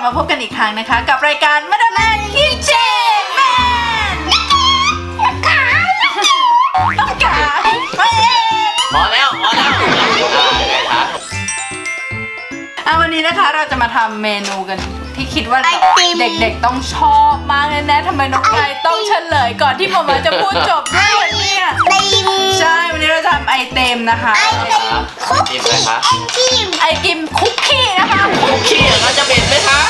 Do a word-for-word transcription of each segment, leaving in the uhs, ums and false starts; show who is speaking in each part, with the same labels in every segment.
Speaker 1: มาพบกันอีกครั้งนะคะกับรายการมาดามแมนคิทเช่นแมนต้องการ
Speaker 2: พอแล้วพอแล้วไงคะ
Speaker 1: อ่ะวันนี้นะคะเราจะมาทำเมนูกันที่คิดว่าเด็กๆต้องชอบมากแน่ๆทำไมน้องไก่ต้องเฉลยก่อนที่หมอมาจะพูดจบด้วยเนี่ยใช่วันนี้เราจะทำไอเต็มนะคะ
Speaker 2: ไอติมอะไรคะ
Speaker 1: ไอติมคุกกี้นะคะ
Speaker 2: คุกกี้เราจะเป็นไหมคะ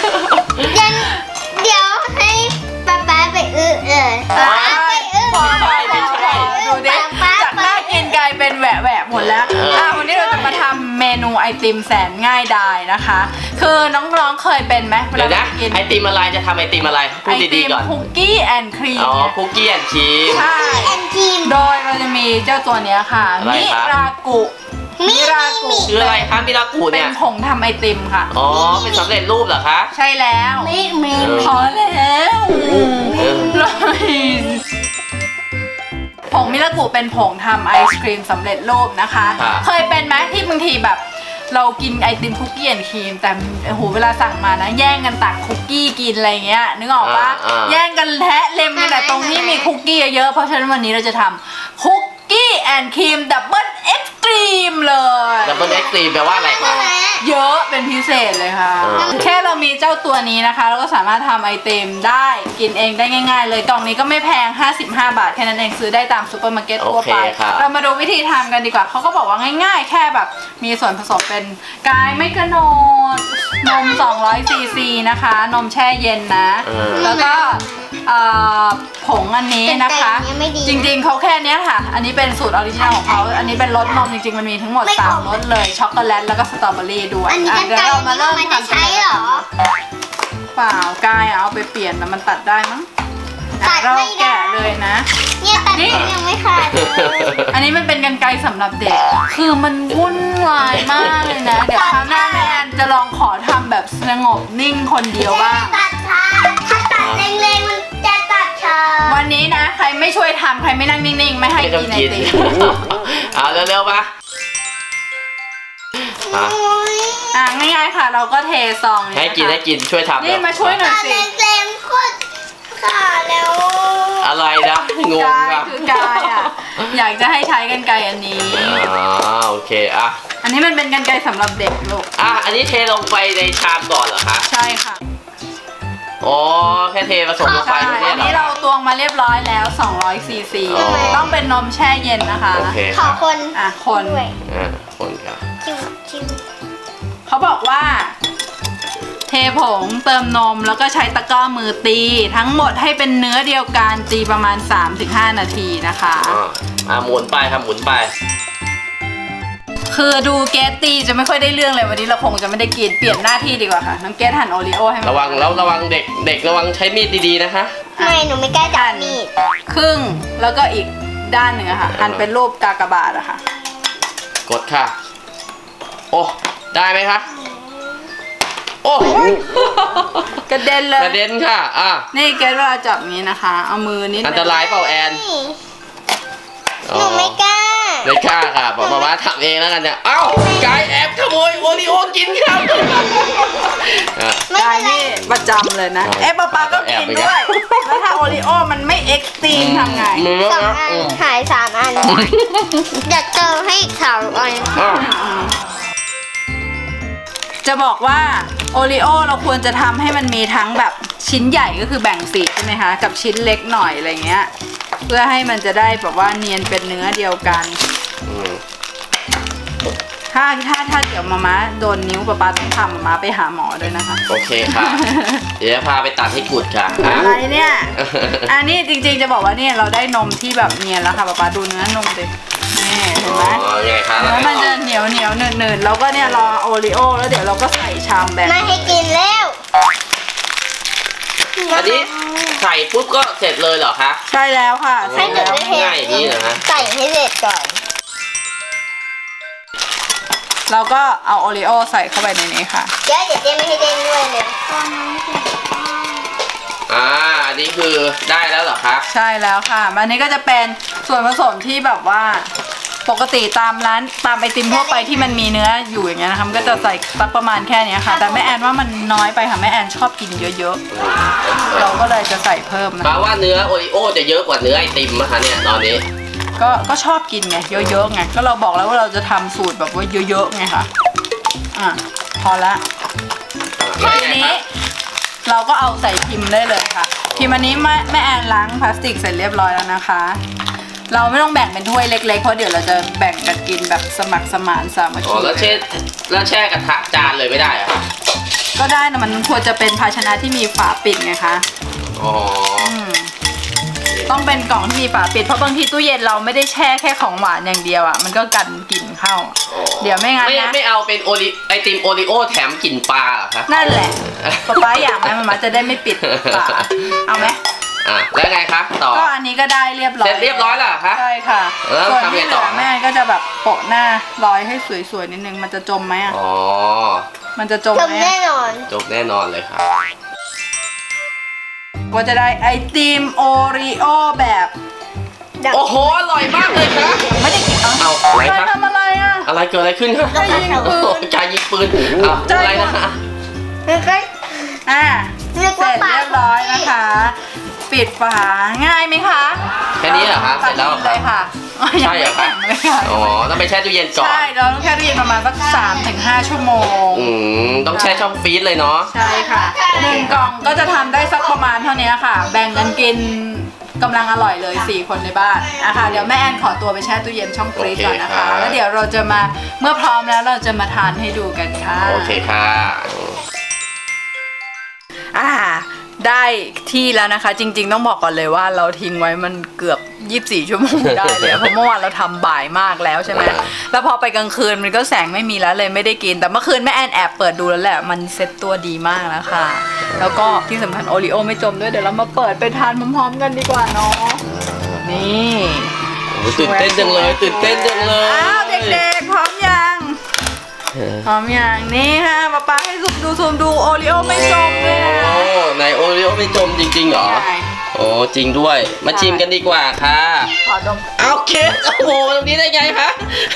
Speaker 3: เดี๋ยวให้ป๊าป๊าไปอื้อเลยป๊าไปอื้อ
Speaker 1: พอพอพอพอดูดิจากน่ากินกลายเป็นแหวะแหวะหมดแล้วอ่ะวันนี้เราจะมาทำเมนูไอติมแสนง่ายดายนะคะคือน้องๆเคยเป็นไหม
Speaker 2: เดี๋ยวนะไอติมอะไรจะทำไอติมอะไรพูดดีๆก่อน
Speaker 1: คุกกี้แอนด์ครีม
Speaker 2: อ๋อคุกกี้แอนด์ครีม
Speaker 1: ใช่โดยเราจะมีเจ้าตัวนี้ค่ะมิรากุมิรากุ
Speaker 2: คืออะไรคะมิรากุเนี่ย
Speaker 1: เป็นผงทำไอติมค่ะ
Speaker 2: อ๋อเป็นสำเร็จรูปเหรอคะ
Speaker 1: ใช่แล้ว
Speaker 3: ไม่ไม่
Speaker 1: พอแล้วผงมิรากุเป็นผงทำไอศครีมสำเร็จรูปนะคะเคยเป็นไหมที่บางทีแบบเรากินไอติมคุกกี้แอนด์ครีมแต่โอ้โหเวลาสั่งมานะแย่งกันตักคุกกี้กินอะไรเงี้ยนึกออกปะแย่งกันแทะเล็มกันแต่ตรงนี้มีคุกกี้เยอะเพราะฉะนั้นวันนี้เราจะทำคุกกี้แอนด์ครีมดับเบิลเอ็กซ์ตรีมเลย
Speaker 2: ดับเบิลเอ็กซ์ตรีมแปลว่าอะไรคะ
Speaker 1: เยอะเป็นพิเศษเลยค่ะแค่เรามีเจ้าตัวนี้นะคะเราก็สามารถทำไอติมได้กินเองได้ง่ายๆเลยกล่องนี้ก็ไม่แพงห้าสิบห้าบาทแค่นั้นเองซื้อได้ตามซูเปอร์มาร์เก็ตทั่วไปเรามาดูวิธีทำกันดีกว่าเขาก็บอกว่าง่ายๆแค่แบบมีส่วนผสมเป็นกายไม่กระโนดนมสองร้อยซีซีนะคะนมแช่เย็นนะแล้วก็ผงอันนี้นะคะจริงๆเขาแค่นี้ค่ะอันนี้เป็นสูตรออริจินัลของเขาอันนี้เป็นรสนมจริงๆมันมีทั้งหมดสามรสเลยช็อกโกแลตแล้วก็สตรอเบอรี่ด้วย
Speaker 3: อันนี้กันไก่เรามาเริ่มทำใช้เหรอ
Speaker 1: เปล่ากายเอาไปเปลี่ยนแต่มันตัดได้มั้งเราแกะเลยนะ
Speaker 3: เนี่ยตัดยังไม่ขาด
Speaker 1: อันนี้มันเป็นกรรไกรสำหรับเด็กคือมันวุ่นวายมากเลยนะเดี๋ยวคราวหน้าแม่แอนจะลองขอทำแบบสงบนิ่งคนเดียวบ้าง
Speaker 3: ตัดช้าถ้าตัดเร็งๆมันจะตัดช้า
Speaker 1: วันนี้นะใครไม่ช่วยทำใครไม่นั่งนิ่งๆไม่ให้กินไอติม
Speaker 2: เอาเร็วๆมา
Speaker 1: อ่ะง่ายๆค่ะเราก็เทซอง
Speaker 2: ให้กินให้กินช่วยทำ
Speaker 1: นี่มาช่วยหน่อยสิ
Speaker 3: เร็งๆคุดค่ะแล้ว
Speaker 2: อะไรนะงง
Speaker 1: อ่ะคือกายอ่ะอยากจะให้ใช้กรรไกรอันนี้
Speaker 2: อ๋อโอเคอ่ะ
Speaker 1: อันนี้มันเป็นกรรไกรสำหรับเด็กลูก
Speaker 2: อ่ะอันนี้เทลงไปในชามก่อนเหรอคะ
Speaker 1: ใช่ค่ะ
Speaker 2: อ๋อแค่เทผสมลงไป
Speaker 1: อันนี้เราตวงมาเรียบร้อยแล้วสองร้อยซีซีต้องเป็นนมแช่เย็นนะคะ
Speaker 3: ขอคน
Speaker 1: อ่ะคน
Speaker 2: อ่ะคนค่ะ
Speaker 1: เขาบอกว่าเทผงเติมนมแล้วก็ใช้ตะกร้อมือตีทั้งหมดให้เป็นเนื้อเดียวกันตีประมาณ สามถึงห้า นาทีนะคะ
Speaker 2: อ่าหมุนไปครับหมุนไป
Speaker 1: คือดูเกสตีจะไม่ค่อยได้เรื่องเลยวันนี้เราคงจะไม่ได้กินเปลี่ยนหน้าที่ดีกว่าค่ะน้องเกสหั่นโอรีโอให้
Speaker 2: ระวังแล้วระวังเด็กเด็กระวังใช้มีดดีๆนะคะ
Speaker 3: ไม่หนูไม่กล้าจับมีด
Speaker 1: ครึ่งแล้วก็อีกด้านหนึ่งอะค่ะหั่นเป็นรูปกากบาทอะค่ะ
Speaker 2: กดค่ะโอ้ได้ไหมคะโอ้
Speaker 1: กระเด็นเลย
Speaker 2: กระเด็นค่ะอ่ะ
Speaker 1: นี่เกสเวลาจับอย่างนี้นะคะเอามือนิด
Speaker 2: อันตรายเปล่าแอน
Speaker 3: หนูไม่กล้า
Speaker 2: ไม่กล้าค่ะป๊าป๊าทำเองแล้วกันเนี่ยเอ้ากายแอบขโมยโอริโอกินครับ
Speaker 1: กายนี่ประจำเลยนะเอ๊ะป๊าป๊าก็กินด้วยแล้วถ้าโอริโอมันไม่เอ็กซ์ตรีมทำไง
Speaker 3: สองอันหายสามอันอยากเติมให้อีกสามอัน
Speaker 1: จะบอกว่าโอริโอเราควรจะทำให้มันมีทั้งแบบชิ้นใหญ่ก็คือแบ่งสีใช่ไหมคะกับชิ้นเล็กหน่อยอะไรเงี้ยเพื่อให้มันจะได้แบบว่าเนียนเป็นเนื้อเดียวกันถ้าถ้าถ้าเดี๋ยวมาม่าโดนนิ้วป๊าป๊าต้องทำมาม่าไปหาหมอด้วยนะคะ
Speaker 2: โอเคค่ะเดี๋ยวพาไปตัดให้กุดค่ะ
Speaker 1: อะไรเนี่ยอันนี้จริงๆจะบอกว่าเนี่ยเราได้นมที่แบบเนียนแล้วค่ะป๊าป๊าดูเนื้อนมดินี่เห็นไหมแล้วมันจะเหนียวเหนียวหนืดหนืดแล้วก็เนี่ยรอโอริโอแล้วเดี๋ยวเราก็ใส่ชามแบบ
Speaker 3: ไม่ให้กินแล้ว
Speaker 2: อันนี้ใส่ปุ๊บก็เสร็จเลยเหรอคะ
Speaker 1: ใช่แล้วค่ะ
Speaker 3: ให้เสร็จ
Speaker 2: ง่ายอย่างนี้เหรอคะ
Speaker 3: ใส่ให้เสร็จก่อน
Speaker 1: เราก็เอาโอริโอใส่เข้าไปในนี้ค่ะ
Speaker 3: เดี๋ยวเดี๋ยวเจ๊ไม่ให้เด้งด้วยเลย
Speaker 2: อ่าอันนี้คือได้แล้วเหรอคะ
Speaker 1: ใช่แล้วค่ะอันนี้ก็จะเป็นส่วนผสมที่แบบว่าปกติตามร้านตามไอติมทั่วไปที่มันมีเนื้ออยู่อย่างเงี้ยนะคะมันก็จะใส่สักประมาณแค่เนี้ยค่ะ แต่แม่แอนว่ามันน้อยไปค่ะแม่แอนชอบกินเยอะๆเราก็เลยจะใส่เพิ่มนะ
Speaker 2: แปลว่าเนื้อโอริโอจะเยอะกว่าเนื้อไอติมนะคะเนี่ยตอนนี้
Speaker 1: ก็ก็ชอบกินไงเยอะๆไงก็เราบอกแล้วว่าเราจะทำสูตรแบบว่าเยอะๆไงค่ะอ่ะพอละทีนี้เราก็เอาใส่พิมพ์ได้เลยค่ะพิมพ์อันนี้แม่แม่แอนล้างพลาสติกเสร็จเรียบร้อยแล้วนะคะ เราไม่ต้องแบ่งเป็นถ้วยเล็กๆเพราะเดี๋ยวเราจะแบ่งกันกินแบบสมัครสมานสามัค
Speaker 2: อ๋อ
Speaker 1: คี
Speaker 2: แล้วแช่แล้วแช่กระทะจานเลยไม่ได้เหรอะคะ
Speaker 1: ก็ได้นะมันควรจะเป็นภาชนะที่มีฝาปิดไงคะ
Speaker 2: อ๋อ
Speaker 1: อืมต้องเป็นกล่องที่มีฝาปิดเพราะบางทีตู้เย็นเราไม่ได้แช่แค่ของหวานอย่างเดียวอ่ะมันก็กันกลิ่นเข้าอะเดี๋ยวไม่งั้น
Speaker 2: ไม่
Speaker 1: นะ
Speaker 2: ไม่เอาเป็นโอริไอติมโอริโอแถมกลิ่นปลาเหรอคะ
Speaker 1: นั่นแหละป๊าป๊าอยากไหมมันมาจะได้ไม่ปิดฝาเอาไหม
Speaker 2: อ่ะแล้วไงคะต่อ
Speaker 1: ก็อันนี้ก็ได้เรียบร้อย
Speaker 2: เสร็จเรียบร้อยแล้วเหรอคะ
Speaker 1: ใช่ค่ะ
Speaker 2: แล้ว
Speaker 1: ส่วน
Speaker 2: ทำไง
Speaker 1: ที่เห
Speaker 2: ต่
Speaker 1: ลื
Speaker 2: อ
Speaker 1: อแม่ก็จะแบบโปะหน้าร้อยให้สวยๆนิดนึงมันจะจมไหมอ่ะ
Speaker 2: อ๋อ
Speaker 1: มันจะจม
Speaker 3: จ
Speaker 1: ไห
Speaker 3: ม
Speaker 1: ม
Speaker 3: แน่
Speaker 1: อะ
Speaker 3: นอน
Speaker 2: จบแน่นอนเลยค่ะ
Speaker 1: ก็จะได้ไอติมโอรีโอแบบ
Speaker 2: โอ้โหอร่อยมากเลยค่ะ
Speaker 1: ไม่ได้กิน
Speaker 2: เอาอะไร
Speaker 1: ใคร
Speaker 2: คะ
Speaker 1: ทำอะไรอ่ะ
Speaker 2: อะไรเกิดอะไรขึ้นคะ
Speaker 1: ใจยิงปืน
Speaker 2: ใจยิงปืนอ้าวอะไรนะคะ
Speaker 3: แล้วก็
Speaker 1: อ่ะ
Speaker 3: เรียก
Speaker 1: เส
Speaker 3: ว่า
Speaker 1: ร็จเรียบร้อยนะคะ ปิดฝาง่ายไหมคะ
Speaker 2: แค่นี้เหรอคะเสร็จแล้วเหรอ
Speaker 1: เลย
Speaker 2: คะ
Speaker 1: ค่ะ
Speaker 2: ใช่เหรอคะ
Speaker 1: ยังไม่แข็งเลยค่ะ
Speaker 2: อ๋อต้องไปแช่ตู้เย็นก่อน
Speaker 1: ใช่เราต้องแค่ตู้เย็นประมาณสักสามถึงห้าชั่วโมง
Speaker 2: อืมต้องแช่ช่องฟรีซเลยเนาะ
Speaker 1: ใช่ค่ะหนึ่งกล่องก็จะทำได้สักประมาณเท่านี้ค่ะ แบ่งกันกินกำลังอร่อยเลยสี่คนในบ้านนะคะเดี๋ยวแม่แอนขอตัวไปแช่ตู้เย็นช่องฟรีซก่อนนะคะ แล้วเดี๋ยวเราจะมาเมื่อพร้อมแล้วเราจะมาทานให้ดูกันค่ะ
Speaker 2: โอเคค่ะ
Speaker 1: อ่าได้ที่แล้วนะคะ จริง ๆ ต้องบอกก่อนเลยว่าเราทิ้งไว้มันเกือบยี่สิบสี่ชั่วโมงได้เลย เพราะเมื่อวานเราทำบ่ายมากแล้วใช่ไหมแล้วพอไปกลางคืนมันก็แสงไม่มีแล้วเลยไม่ได้กินแต่เมื่อคืนแม่แอนแอบเปิดดูแล้วแหละมันเซ็ตตัวดีมากแล้วค่ะ แล้วก็ที่สำคัญโอริโอไม่จมด้วยเดี๋ยวเรามาเปิดไปทานพร้อมๆกันดีกว่าเนาะนี่
Speaker 2: โอ้ยตื่นเต้นจังเลยตื่นเต้นจังเลย
Speaker 1: อ้าวเด็กๆพร้อมยังพร้อมยังนี่ค่ะป๊าป๊าให้ซูมดูซูมดูโอริโอไม่จมเลยนะ
Speaker 2: โอ้ในโอริโอไม่จมจริงๆเหรอ
Speaker 1: ใช่
Speaker 2: โอ้จริงด้วยมาชิมกันดีกว่าค่ะ
Speaker 1: ขอดม
Speaker 2: เอาเคสโอ้โหตรงนี้ได้ไงคะ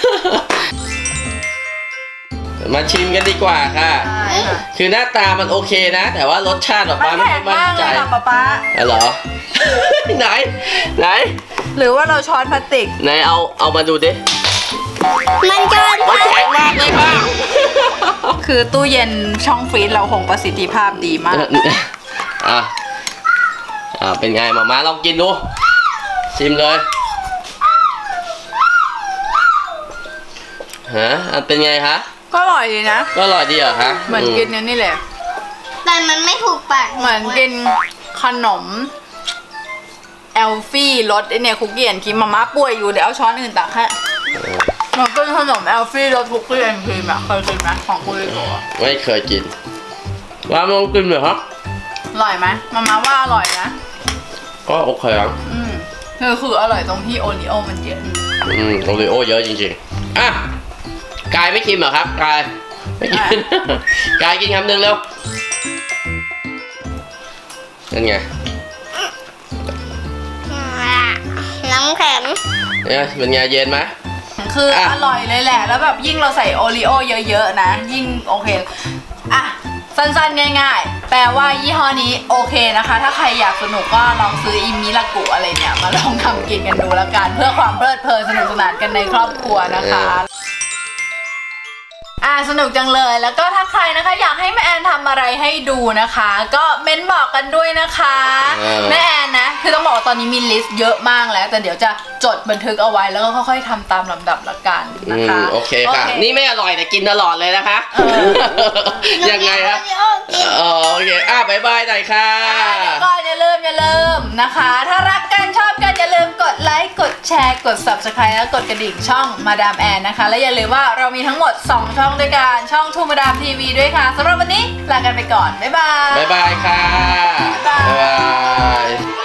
Speaker 2: มาชิมกันดีกว่าค่ะ
Speaker 1: ใช่ค่ะ
Speaker 2: คือหน้าตามันโอเคนะ แต่ว่ารสชาติออก
Speaker 1: มั
Speaker 2: มาน ไม่
Speaker 1: แข็ง
Speaker 2: มั่น
Speaker 1: มาก
Speaker 2: ใจ
Speaker 1: เลยค่ะป๊าป๊า
Speaker 2: อ๋อเหรอ ไหน ไหน
Speaker 1: หรือว่าเราช้อนพลาสติก
Speaker 2: ไหนเอาเอามาดูดิ
Speaker 3: มันเกินไป
Speaker 2: มันแข็งมากเลยค่ะ
Speaker 1: คือตู้เย็นช่องฟรีซเราคงประสิทธิภาพดีมาก
Speaker 2: อ่ะอ่ะเป็นไงมามาลองกินดูชิมเลยฮะอ่ะเป็นไงคะ
Speaker 1: ก็อร่อยดีนะ
Speaker 2: ก็อร่อยดีเหรอคะ
Speaker 1: เหมือนกินอันนี่แหละ
Speaker 3: แต่มันไม่ถูกปาก
Speaker 1: เหมือนกินขนมเอลฟี่รสไอเนี่ยคุกกี้แอนด์ครีมมาม่าป่วยอยู่เดี๋ยวเอาช้อนอื่นตักให้เหมันเป็นขนมเอลฟี่รสคุกกี้แอนด์ครีมอะเคยกินไหมของคุณลิโกะ
Speaker 2: ไม่เคยกินว่าลองกินเหรอครับ
Speaker 1: อร่อยไหมมาม่าว่าอร่อยนะ
Speaker 2: ก็โอเคครับ
Speaker 1: อืมคือคืออร่อยตรงที่โอริโอมันเยอะ
Speaker 2: อืมโอริโอเยอะจริงๆอ่ะกายไม่กินเหรอครับกายไม่กิน กายกินคำหนึ่งเร็วนั่นไง
Speaker 3: น้ำแข็ง
Speaker 2: เนี่ยเป็นไงเย็นไหม
Speaker 1: คืออะ อร่อยเลยแหละ แล้วแบบยิ่งเราใส่โอริโอเยอะๆนะ ยิ่งโอเค อ่ะ สั้นๆง่ายๆ แปลว่ายี่ห้อนี้โอเคนะคะ ถ้าใครอยากสนุกก็ลองซื้ออิมิลากุอะไรเนี่ย มาลองทำกินกันดูแล้วกัน เพื่อความเพลิดเพลินสนุกสนานกันในครอบครัวนะคะ อ่าสนุกจังเลยแล้วก็ถ้าใครนะคะอยากให้แม่แอนทำอะไรให้ดูนะคะ ก็เม้นบอกกันด้วยนะคะ
Speaker 2: เออ
Speaker 1: แม่แอนนะคือต้องบอกว่าตอนนี้มีลิสต์เยอะมากแล้ว แต่เดี๋ยวจะจดบันทึกเอาไว้แล้วก็ค่อยๆทำตามลำดับละกัน
Speaker 2: อื
Speaker 1: นะคะ
Speaker 2: มโอเคค่ะ นี่ไม่อร่อยแต่กินตลอดเลยนะคะ
Speaker 1: เออ
Speaker 2: ยังไงครับ
Speaker 3: โอริโอกิน
Speaker 2: อ๋อโอเคอ่ะบายบายหน่อยค่ะ
Speaker 1: อ่าเดี๋ยวก่อนอย่าลืมอย่าลืมนะคะ ถ้ารักกันชอบกันอย่าลืมกดไลค์กดแชร์กด ซับสไครบ์ แล้วกดกระดิ่งช่องมาดามแอนนะคะ และอย่าลืมว่าเรามีทั้งหมดสองช่องด้วยกันช่องทูมาดามทีวีด้วยค่ะสำหรับวันนี้ลากันไปก่อนบ๊ายบาย
Speaker 2: บายบายค่ะ
Speaker 1: บ๊ายบาย
Speaker 2: บ๊ายบาย